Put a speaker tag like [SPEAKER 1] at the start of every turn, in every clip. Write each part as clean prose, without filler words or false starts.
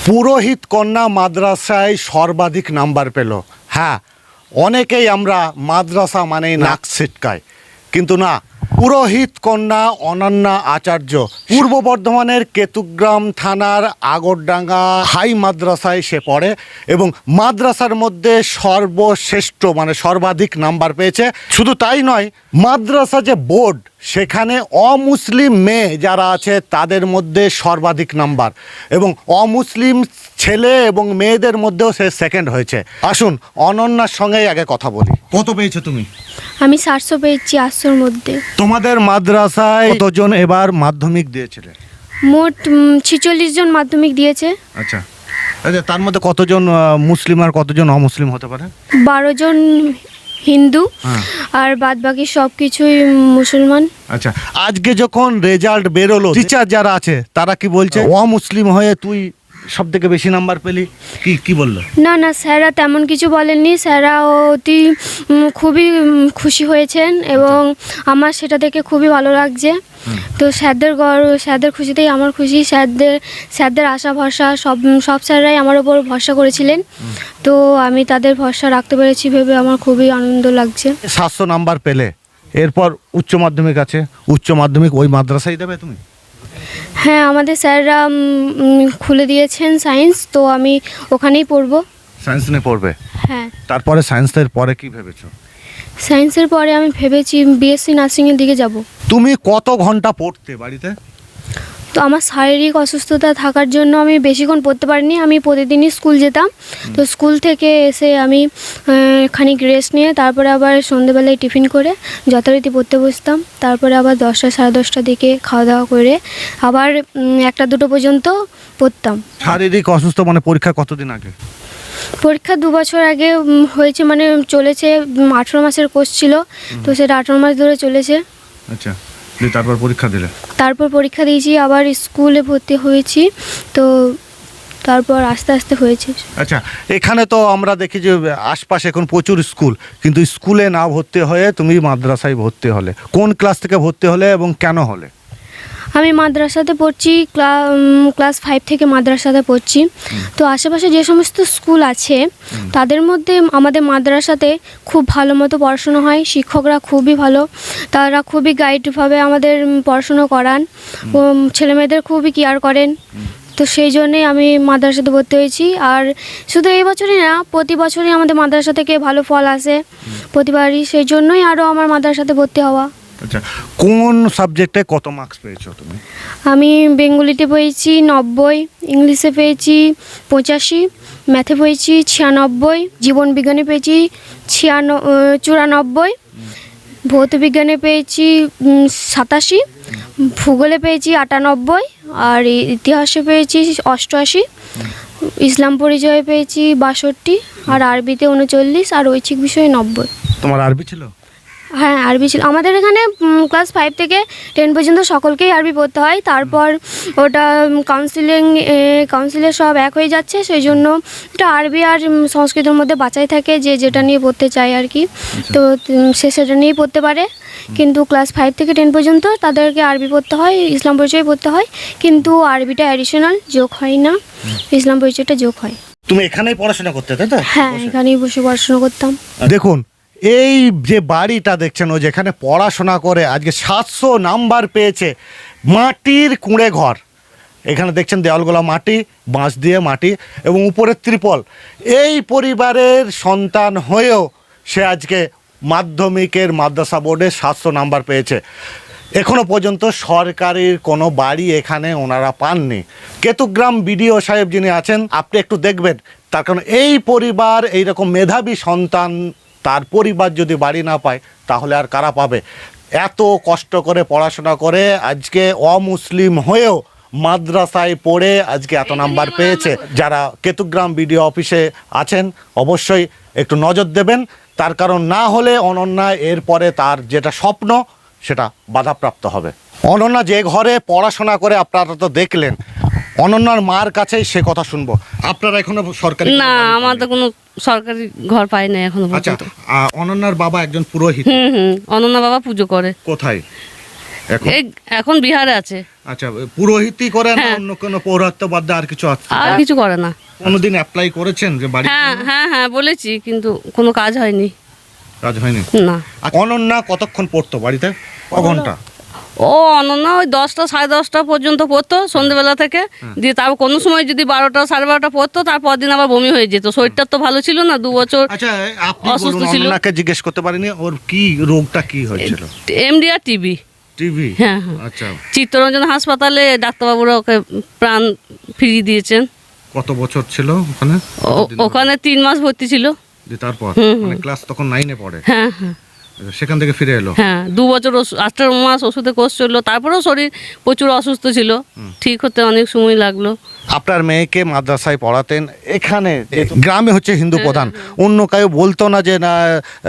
[SPEAKER 1] পুরোহিত কন্যা মাদ্রাসায় সর্বাধিক নাম্বার পেল। হ্যাঁ, অনেকেই আমরা মাদ্রাসা মানেই নাক ছিটকাই, কিন্তু না, পুরোহিত কন্যা অনন্যা আচার্য পূর্ব বর্ধমানের কেতুগ্রাম থানার আগরডাঙ্গা হাই মাদ্রাসায় সে পড়ে এবং মাদ্রাসার মধ্যে সর্বশ্রেষ্ঠ মানে সর্বাধিক নাম্বার পেয়েছে। শুধু তাই নয়, মাদ্রাসা যে বোর্ড সেখানে অমুসলিম মেয়ে যারা আছে তাদের মধ্যে সর্বাধিক নাম্বার এবং অমুসলিম ছেলে এবং মেয়েদের মধ্যেও সে সেকেন্ড হয়েছে। আসুন অনন্যার সঙ্গেই আগে কথা বলি। কত পেয়েছো তুমি?
[SPEAKER 2] আমি 700 পেয়েছি 800-র মধ্যে।
[SPEAKER 1] তোমাদের মাদ্রাসায় কতজন এবার মাধ্যমিক দিয়েছিলে?
[SPEAKER 2] মোট 46 জন মাধ্যমিক দিয়েছে।
[SPEAKER 1] আচ্ছা আচ্ছা, তার মধ্যে কতজন মুসলিম আর কতজন অমুসলিম হতে পারে?
[SPEAKER 2] 12 জন হিন্দু
[SPEAKER 1] হ্যাঁ।
[SPEAKER 2] আর বাদ বাকি সব কিছুই মুসলমান।
[SPEAKER 1] আচ্ছা, আজকে যখন রেজাল্ট বেরোলো, টিচার যারা আছে তারা কি বলছে? অমুসলিম হয়ে তুই সব থেকে বেশি নাম্বার পেলি, কি কি বললো?
[SPEAKER 2] না না, স্যাররা তেমন কিছু বলেননি। স্যাররা অতি খুবই খুশি হয়েছেন এবং আমার সেটা দেখে খুবই ভালো লাগছে। তো স্যারদের খুশিতেই আমার খুশি। স্যারদের আশা ভরসা সব স্যাররাই আমার ওপর ভরসা করেছিলেন, তো আমি তাদের ভরসা রাখতে পেরেছি ভেবে আমার খুবই আনন্দ লাগছে।
[SPEAKER 1] 700 নাম্বার পেলে, এরপর উচ্চ মাধ্যমিক আছে, উচ্চ মাধ্যমিক ওই মাদ্রাসায় দেবে তুমি?
[SPEAKER 2] হ্যাঁ, আমাদের স্যাররা খুলে দিয়েছেন সায়েন্স, তো আমি ওখানেই পড়বো।
[SPEAKER 1] সায়েন্স নিয়ে পড়বে?
[SPEAKER 2] হ্যাঁ।
[SPEAKER 1] তারপরে সায়েন্সের পরে কি ভেবেছো?
[SPEAKER 2] সায়েন্সের পরে আমি ভেবেছি বিএসসি নার্সিংয়ের দিকে যাব।
[SPEAKER 1] তুমি কত ঘন্টা পড়তে বাড়িতে?
[SPEAKER 2] তো আমার শারীরিক অসুস্থতা থাকার জন্য আমি বেশিক্ষণ পড়তে পারিনি। আমি প্রতিদিনই স্কুল যেতাম, তো স্কুল থেকে এসে আমি খানিক রেস্ট নিয়ে তারপরে আবার সন্ধেবেলায় টিফিন করে যথারীতি পড়তে বসতাম। তারপরে আবার 10টা 10:30টার দিকে খাওয়া দাওয়া করে আবার 1টা 2টো পর্যন্ত পড়তাম।
[SPEAKER 1] শারীরিক অসুস্থ মানে পরীক্ষা কতদিন আগে?
[SPEAKER 2] পরীক্ষা 2 বছর আগে হয়েছে, মানে চলেছে। 18 মাসের কোর্স ছিল, তো সেটা 18 মাস ধরে চলেছে।
[SPEAKER 1] আচ্ছা, তারপর পরীক্ষা দিলে?
[SPEAKER 2] তারপর পরীক্ষা দিয়েছি, আবার স্কুলে ভর্তি হয়েছি, তো তারপর আস্তে আস্তে হয়েছে।
[SPEAKER 1] আচ্ছা, এখানে তো আমরা দেখি যে আশপাশে এখন প্রচুর স্কুল, কিন্তু স্কুলে না ভর্তি হয়ে তুমি মাদ্রাসায় ভর্তি হলে। কোন ক্লাস থেকে ভর্তি হলে এবং কেন হলে?
[SPEAKER 2] আমি মাদ্রাসাতে পড়ছি, ক্লাস 5 থেকে মাদ্রাসাতে পড়ছি। তো আশেপাশে যে সমস্ত স্কুল আছে তাদের মধ্যে আমাদের মাদ্রাসাতে খুব ভালো মতো পড়াশুনো হয়। শিক্ষকরা খুবই ভালো, তারা খুবই গাইডভাবে আমাদের পড়াশুনো করান ও ছেলেমেয়েদের খুবই কেয়ার করেন। তো সেই জন্যেই আমি মাদ্রাসাতে ভর্তি হয়েছি। আর শুধু এই বছরই না, প্রতি বছরই আমাদের মাদ্রাসা থেকে ভালো ফল আসে প্রতিবারই, সেই জন্যই আরও আমার মাদ্রাসাতে ভর্তি হওয়া।
[SPEAKER 1] আচ্ছা, কোন সাবজেক্টে কত মার্কস পেয়েছো তুমি?
[SPEAKER 2] আমি বেঙ্গলিতে পেয়েছি 90, ইংলিশে পেয়েছি 85, ম্যাথে পেয়েছি 96, জীবন বিজ্ঞানে পেয়েছি 94, ভৌত বিজ্ঞানে পেয়েছি 87, ভূগোলে পেয়েছি 98, আর ইতিহাসে পেয়েছি 88, ইসলাম পরিচয়ে পেয়েছি 62, আর আরবিতে 39, আর ঐচ্ছিক বিষয়ে 90।
[SPEAKER 1] তোমার আরবি ছিল?
[SPEAKER 2] হ্যাঁ, আরবি ছিল। আমাদের এখানে ক্লাস 5 থেকে 10 পর্যন্ত সকলকেই আরবি পড়তে হয়। তারপর ওটা কাউন্সিলে সব এক হয়ে যাচ্ছে, সেই জন্য এটা আরবি আর সংস্কৃতের মধ্যে বাছাই থাকে যে যেটা নিয়ে পড়তে চায় আর কি। তো সে সেটা নিয়েই পড়তে পারে, কিন্তু ক্লাস 5 থেকে 10 পর্যন্ত তাদেরকে আরবি পড়তে হয়, ইসলাম পরিচয় পড়তে হয়, কিন্তু আরবিটা অ্যাডিশনাল, যোগ হয় না, ইসলাম পরিচয়টা যোগ হয়।
[SPEAKER 1] তুমি এখানেই পড়াশোনা করতে, তাই তো?
[SPEAKER 2] হ্যাঁ, এখানেই বসে পড়াশোনা করতাম।
[SPEAKER 1] দেখুন, এই যে বাড়িটা দেখছেন, ও যেখানে পড়াশোনা করে আজকে 700 নাম্বার পেয়েছে, মাটির কুঁড়ে ঘর। এখানে দেখছেন দেওয়ালগুলো মাটি, বাঁশ দিয়ে মাটি এবং উপরের ত্রিপল। এই পরিবারের সন্তান হয়েও সে আজকে মাধ্যমিকের মাদ্রাসা বোর্ডে 700 নাম্বার পেয়েছে। এখনো পর্যন্ত সরকারের কোনো বাড়ি এখানে ওনারা পাননি। কেতুগ্রাম বিডিও সাহেব যিনি আছেন, আপনি একটু দেখবেন, তার কারণ এই পরিবার এইরকম মেধাবী সন্তান, তার পরিবার যদি বাড়ি না পায় তাহলে আর কারা পাবে? এত কষ্ট করে পড়াশোনা করে আজকে অমুসলিম হয়েও মাদ্রাসায় পড়ে আজকে এত নাম্বার পেয়েছে। যারা কেতুগ্রাম বিডিও অফিসে আছেন অবশ্যই একটু নজর দেবেন, তার কারণ না হলে অনন্যা এরপরে তার যেটা স্বপ্ন সেটা বাধাপ্রাপ্ত হবে। অনন্যা যে ঘরে পড়াশোনা করে আপনারা তো দেখলেন, অনন্যার মার কাছেই সে কথা শুনবো। আপনারা এখনো সরকারি
[SPEAKER 3] না, আমার তো কোনো সরকারি ঘর পাই না এখনো
[SPEAKER 1] আচ্ছা,
[SPEAKER 3] পর্যন্ত।
[SPEAKER 1] অনন্যার বাবা একজন পুরোহিত।
[SPEAKER 3] অনন্যা বাবা পুজো করে।
[SPEAKER 1] কোথায়? এখন
[SPEAKER 3] এই এখন বিহারে আছে,
[SPEAKER 1] আচ্ছা, পুরোহিতই করে না
[SPEAKER 3] হ্যাঁ।
[SPEAKER 1] অন্য কোনো পৌরত্ব বাদ দিয়ে আর কিছু আছে?
[SPEAKER 3] আর কিছু করে না।
[SPEAKER 1] কোনোদিন অ্যাপ্লাই করেছেন যে বাড়ি?
[SPEAKER 3] হ্যাঁ হ্যাঁ হ্যাঁ বলেছি, কিন্তু কোনো কাজ হয়নি।
[SPEAKER 1] কাজ হয়নি?
[SPEAKER 3] না।
[SPEAKER 1] আচ্ছা, অনন্যা কতক্ষণ পড়তো বাড়িতে, ক ঘন্টা?
[SPEAKER 3] ও অনন্যা ওই 10টা 10:30 পর্যন্ত পড়তো সন্ধ্যেবেলা থেকে, দিয়ে তারপর কোনো সময় যদি 12টা 12:30 পড়তো, তারপর দিন আবার বমি হয়ে যেত। শরীরটা তো ভালো ছিল না, 2 বছর
[SPEAKER 1] আচ্ছা, আপনি
[SPEAKER 3] অসুস্থ
[SPEAKER 1] বলুন,
[SPEAKER 3] ছিল।
[SPEAKER 1] অনন্যাকে জিজ্ঞেস করতে পারিনি ওর কি রোগটা কি হয়েছিল?
[SPEAKER 3] MDR TB.
[SPEAKER 1] টিভি?
[SPEAKER 3] হ্যাঁ হ্যাঁ।
[SPEAKER 1] আচ্ছা,
[SPEAKER 3] চিত্তরঞ্জন হাসপাতালে ডাক্তারবাবুরা ওকে প্রাণ ফিরিয়ে দিয়েছেন।
[SPEAKER 1] কত বছর ছিল ওখানে?
[SPEAKER 3] ওখানে 3 মাস ভর্তি ছিল।
[SPEAKER 1] তারপর
[SPEAKER 3] হুম, হুম।
[SPEAKER 1] মানে ক্লাস তখন 9-এ পড়ে,
[SPEAKER 3] হ্যাঁ হ্যাঁ
[SPEAKER 1] সেখান থেকে ফিরে এলো?
[SPEAKER 3] হ্যাঁ, 2 বছর 18 মাস ওষুধে কোর্স চললো, তারপরেও শরীর প্রচুর অসুস্থ ছিল, ঠিক হতে অনেক সময় লাগলো।
[SPEAKER 1] আপনার মেয়েকে মাদ্রাসায় পড়াতেন, এখানে গ্রামে হচ্ছে হিন্দু প্রধান, অন্য কেউ বলতো না যে না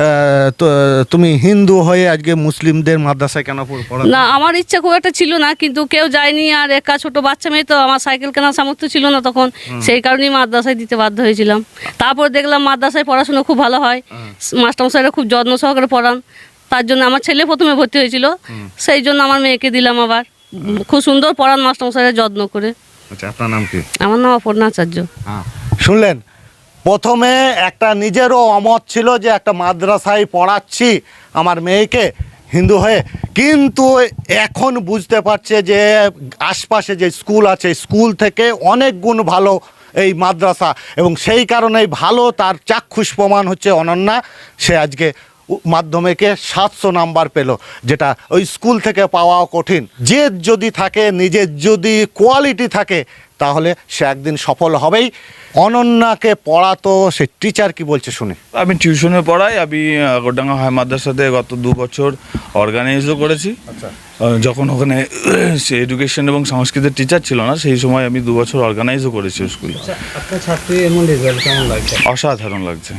[SPEAKER 1] তুমি হিন্দু হয়ে আজকে মুসলিমদের মাদ্রাসায় কেন পড়াতে?
[SPEAKER 3] না, আমার ইচ্ছা খুব একটা ছিল না, কিন্তু কেউ যায়নি। আর একা ছোট বাচ্চা মেয়ে তো, আমার সাইকেল কেনার সামর্থ্য ছিল না তখন, সেই কারণেই মাদ্রাসায় দিতে বাধ্য হয়েছিলাম। তারপর দেখলাম মাদ্রাসায় পড়াশোনা খুব ভালো হয়, মাস্টারমশাইরা খুব যত্ন সহকারে পড়ান, তার জন্য আমার ছেলে প্রথমে ভর্তি হয়েছিল, সেই জন্য আমার মেয়েকে দিলাম আবার। খুব সুন্দর পড়ান মাস্টারমশাইরা যত্ন করে।
[SPEAKER 1] আচ্ছা, আপনার নাম কি?
[SPEAKER 3] আমার নাম অপর্ণা আচার্য।
[SPEAKER 1] শুনলেন, প্রথমে একটা নিজেরও অমত ছিল যে একটা মাদ্রাসায় পড়াচ্ছি আমার মেয়েকে হিন্দু হয়ে, কিন্তু এখন বুঝতে পারছে যে আশপাশে যে স্কুল আছে, স্কুল থেকে অনেক গুণ ভালো এই মাদ্রাসা, এবং সেই কারণেই ভালো তার চাক্ষুষ প্রমাণ হচ্ছে অনন্যা। সে আজকে মাধ্যমিকে 700 নাম্বার পেল, যেটা ওই স্কুল থেকে পাওয়াও কঠিন। জেদ যদি থাকে, নিজের যদি কোয়ালিটি থাকে, তাহলে সে একদিন সফল হবেই। অনন্যাকে পড়াতো সে টিচার কি বলছে শুনি।
[SPEAKER 4] আমি টিউশনে পড়াই। আমি আগরডাঙ্গা হাই মাদ্রাসাতে গত 2 বছর অর্গানাইজও করেছি। যখন ওখানে সে এডুকেশন এবং সংস্কৃতের টিচার ছিল না, সেই সময় আমি 2 বছর অর্গানাইজও করেছি স্কুলে।
[SPEAKER 5] আপনার ছাত্রী এমন রেজাল্ট কেমন লাগছে?
[SPEAKER 4] অসাধারণ লাগছে।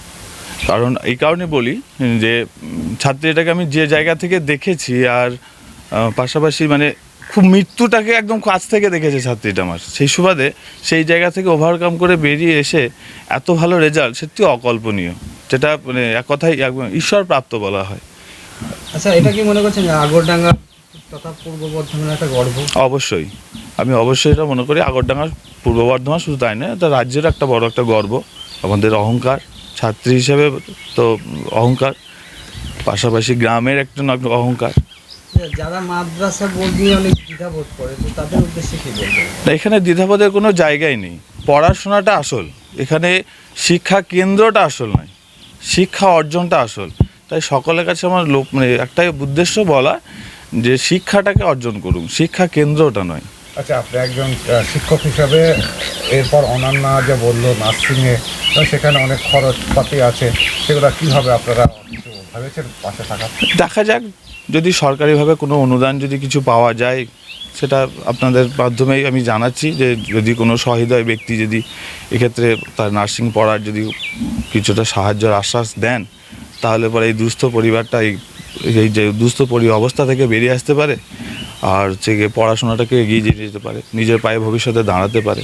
[SPEAKER 4] কারণ এই কারণে বলি যে ছাত্রীটাকে আমি যে জায়গা থেকে দেখেছি, আর পাশাপাশি মানে খুব মৃত্যুটাকে একদম কাছ থেকে দেখেছে ছাত্রীটা আমার, সেই সুবাদে সেই জায়গা থেকে ওভারকাম করে বেরিয়ে এসে এত ভালো রেজাল্ট সত্যি অকল্পনীয়, যেটা মানে এক কথায় ঈশ্বর প্রাপ্ত বলা হয়।
[SPEAKER 5] আচ্ছা, এটা কি মনে করছেন যে আগরডাঙ্গা তথা পূর্ব বর্ধমানের একটা গর্ব?
[SPEAKER 4] অবশ্যই, আমি অবশ্যই এটা মনে করি। আগরডাঙ্গার পূর্ব বর্ধমান শুধু তাই নয়, এটা রাজ্যের একটা বড় একটা গর্ব, আমাদের অহংকার। ছাত্রী হিসেবে তো অহংকার, পাশাপাশি গ্রামের একটা অহংকার।
[SPEAKER 5] যারা মাদ্রাসা বোর্ড নিয়ে অনেক দ্বিধাবোধ করে, তো তাদের উদ্দেশ্যে কি বলবেন?
[SPEAKER 4] এখানে দ্বিধাবোধের কোনো জায়গাই নেই। পড়াশোনাটা আসল, এখানে শিক্ষা কেন্দ্রটা আসল নয়, শিক্ষা অর্জনটা আসল। তাই সকলের কাছে আমার মানে একটাই উদ্দেশ্য বলা যে শিক্ষাটাকে অর্জন করুন, শিক্ষা কেন্দ্রটা নয়।
[SPEAKER 1] আচ্ছা, আপনি একজন শিক্ষক হিসাবে এরপর অনন্যা যে বললো নার্সিংয়ে, সেখানে অনেক খরচপাতি আছে, সেগুলো কীভাবে আপনারা কিছু ভেবেছেন পাশে থাকা?
[SPEAKER 4] দেখা যাক, যদি সরকারিভাবে কোনো অনুদান যদি কিছু পাওয়া যায়, সেটা আপনাদের মাধ্যমেই আমি জানাচ্ছি যে যদি কোনো সহৃদয় ব্যক্তি যদি এক্ষেত্রে তার নার্সিং পড়ার যদি কিছুটা সাহায্যের আশ্বাস দেন, তাহলে পরে এই দুস্থ পরিবারটা এই যে দুস্থ অবস্থা থেকে বেরিয়ে আসতে পারে, আর হচ্ছে গিয়ে পড়াশোনাটাকে এগিয়ে নিয়ে যেতে পারে, নিজের পায়ে ভবিষ্যতে দাঁড়াতে পারে।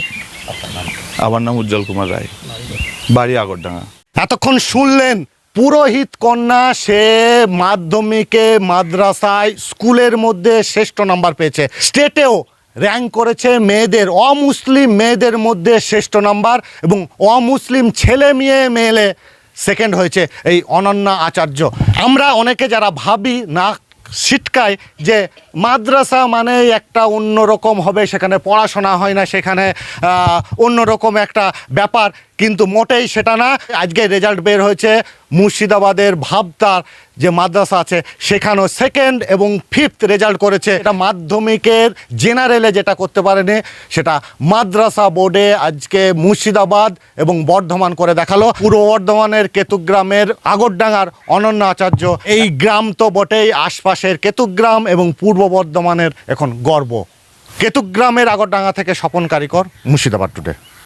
[SPEAKER 4] আমার নাম উজ্জ্বল কুমার রায়, বাড়ি আগরডাঙ্গা।
[SPEAKER 1] এতক্ষণ শুনলেন পুরোহিত কন্যা, সে মাধ্যমিকে মাদ্রাসায় স্কুলের মধ্যে শ্রেষ্ঠ নাম্বার পেয়েছে, স্টেটেও র্যাঙ্ক করেছে মেয়েদের, অমুসলিম মেয়েদের মধ্যে শ্রেষ্ঠ নাম্বার, এবং অমুসলিম ছেলে মেয়ে সেকেন্ড হয়েছে এই অনন্যা আচার্য। আমরা অনেকে যারা ভাবি না ছিটকায় যে মাদ্রাসা মানে একটা অন্যরকম হবে, সেখানে পড়াশোনা হয় না, সেখানে অন্যরকম একটা ব্যাপার, কিন্তু মোটেই সেটা না। আজকে রেজাল্ট বের হয়েছে মুর্শিদাবাদের ভাবতার যে মাদ্রাসা আছে, সেখানেও 2nd এবং 5th রেজাল্ট করেছে। এটা মাধ্যমিকের জেনারেলে যেটা করতে পারেনি, সেটা মাদ্রাসা বোর্ডে আজকে মুর্শিদাবাদ এবং বর্ধমান করে দেখালো। পূর্ব বর্ধমানের কেতুগ্রামের আগরডাঙ্গার অনন্যা আচার্য, এই গ্রাম তো বটেই, আশপাশের কেতুগ্রাম এবং পূর্ব বর্ধমানের এখন গর্ব। কেতুগ্রামের আগরডাঙ্গা থেকে স্বপন কারিকর, মুর্শিদাবাদ টুডে।